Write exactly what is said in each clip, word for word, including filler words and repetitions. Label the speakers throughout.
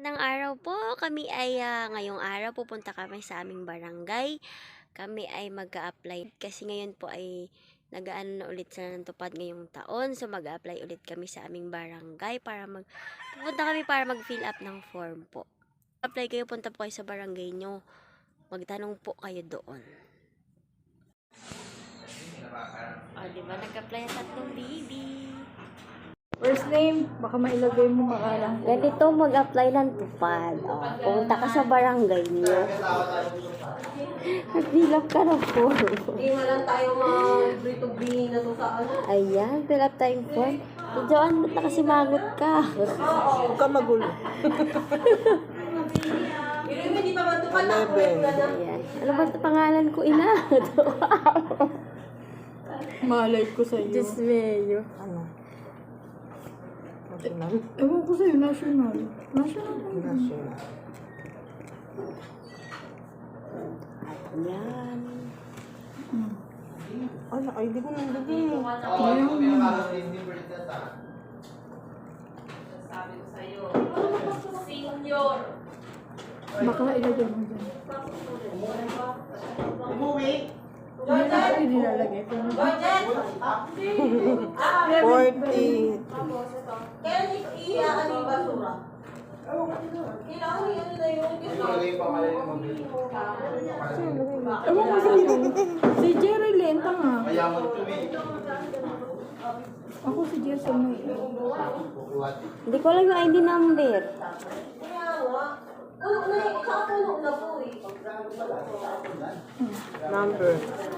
Speaker 1: Magandang araw po. Kami ay ah, ngayong araw pupunta kami sa aming barangay. Kami ay mag-a-apply kasi ngayon po ay nag-aano na ulit sila ng tupad ngayong taon. So mag-a-apply ulit kami sa aming barangay para mag pupunta kami para mag-fill up ng form po. Apply kayo, punta po kayo sa barangay nyo. Magtanong po kayo doon. O, oh, diba? Nag-apply ang tatlong baby.
Speaker 2: First name, baka mailagay mo makalang.
Speaker 1: Ganito mag-apply ng tupad. O, pumunta ka sa barangay nyo. Fill up ka ng form.
Speaker 2: Hindi nga lang tayo mag-free-to-be na to sa ano.
Speaker 1: Ayan, fill up tayong form. So, Joanne, ba't nakasimangot ka?
Speaker 3: Huwag ka magulo.
Speaker 2: Pero hindi pa man ito ka na.
Speaker 1: Ayan. Ano ba ito pangalan ko, ina?
Speaker 2: Malay ko sa'yo.
Speaker 1: Diyos mayo.
Speaker 3: Ano? National?
Speaker 2: Ewan ko sa'yo, national. National.
Speaker 3: National.
Speaker 1: Ayan.
Speaker 2: Hmm.
Speaker 3: Ano? Ay, di ko nandagay.
Speaker 2: Baka ilagay mo dyan. Hindi na ako nilalagay.
Speaker 3: forty.
Speaker 2: Kaya iiyakan yung basura. Kailangan yan na yun. Ewan ko sa'yo. Si Jerry Lenta nga. Ako si Jason May.
Speaker 1: Hindi ko alam yung I D number.
Speaker 2: Kaya nga. Puno na yung tsaka puno na po eh.
Speaker 3: Number.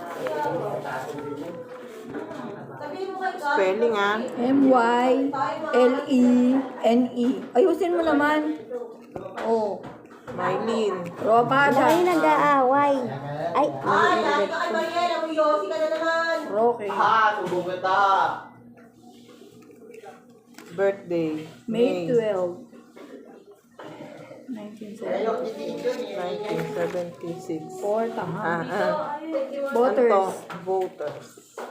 Speaker 2: Sabihin mo kay God.
Speaker 3: Spelling ah.
Speaker 2: M Y L E N E. Ayusin mo naman. Oh.
Speaker 3: Mylene.
Speaker 2: Ropa
Speaker 1: Ano kayo nag-aaway? Ay,
Speaker 2: Ay, dahil ka kay Mariela, mo Yossi ka na naman.
Speaker 3: Roque.
Speaker 4: Ah,
Speaker 3: Birthday.
Speaker 2: May twelfth. nineteen
Speaker 3: nineteen seventy-six.
Speaker 2: Four, tama.
Speaker 3: Ah, ah.
Speaker 2: Voters.
Speaker 3: Ano to? Voters.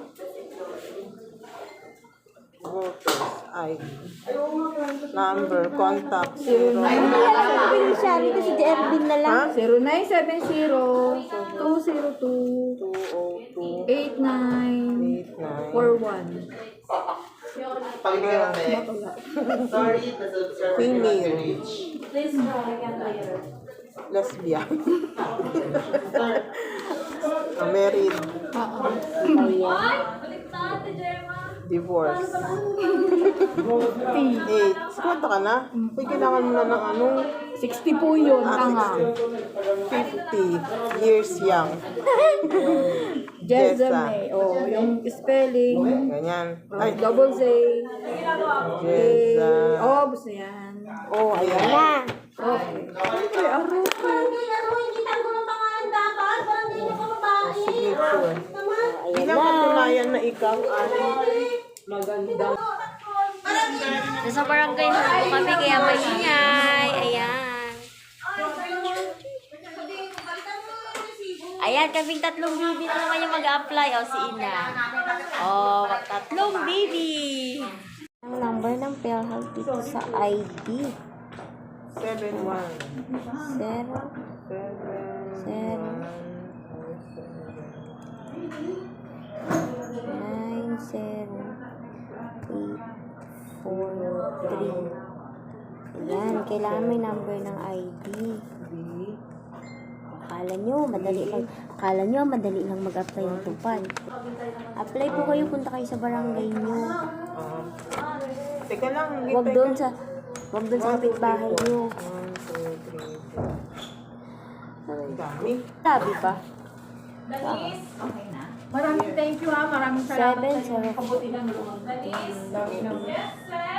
Speaker 3: Voters. I D. Number. Contact. Zero.
Speaker 1: sabi ni Shari ko si Jervin na lang.
Speaker 3: Ha?
Speaker 2: zero nine seven zero two zero two
Speaker 3: two oh two
Speaker 2: eight nine
Speaker 3: eight nine.
Speaker 2: four one.
Speaker 4: Pakibigyan natin. Sorry, nasa-subscribe
Speaker 3: Female.
Speaker 2: Please try again later.
Speaker 3: Lesbian. Ah, married. Divorce. eight. Kwento ka na? Uy, kailangan mo na ng ano?
Speaker 2: sixty po yun,
Speaker 3: Ah,
Speaker 2: tanga.
Speaker 3: fifty years young.
Speaker 2: Jessa
Speaker 3: Jessa.
Speaker 2: May. Oh, yung spelling.
Speaker 3: Ganyan.
Speaker 2: Ay,
Speaker 3: Ay,
Speaker 2: double Z.
Speaker 3: Jessa.
Speaker 2: Oh, basta yan.
Speaker 3: Oh, ayan.
Speaker 1: Na.
Speaker 2: Okay. Ay, aro ko.
Speaker 3: Signature.
Speaker 1: Ayan
Speaker 3: Bilang
Speaker 1: na.
Speaker 3: patunayan na ikaw ay magandang.
Speaker 1: Nasa barangay na po kami kaya maingay. Ayan. Ayan, kaming tatlong baby na naman yung mag-apply. O, si Ina. O, tatlong baby. Ang number ng PhilHealth dito sa I D.
Speaker 3: seven one.
Speaker 1: Zero.
Speaker 3: seven.
Speaker 1: Nine, zero, eight, four, three. Ayan, kailangan may number ng I D. Akala nyo, madali lang. Akala nyo, madali lang mag-apply ng tupad. Apply po kayo, punta kayo sa barangay nyo.
Speaker 3: Um, teka lang. hindi
Speaker 1: Huwag
Speaker 3: tayo-
Speaker 1: doon sa, huwag doon sa kapitbahay nyo.
Speaker 3: One, two, three, four. Ang dami.
Speaker 1: Sabi pa.
Speaker 2: Maraming thank you ha. Maraming
Speaker 1: Seven,
Speaker 2: salamat sa
Speaker 1: seven.
Speaker 2: inyo. Kabuti ng loob.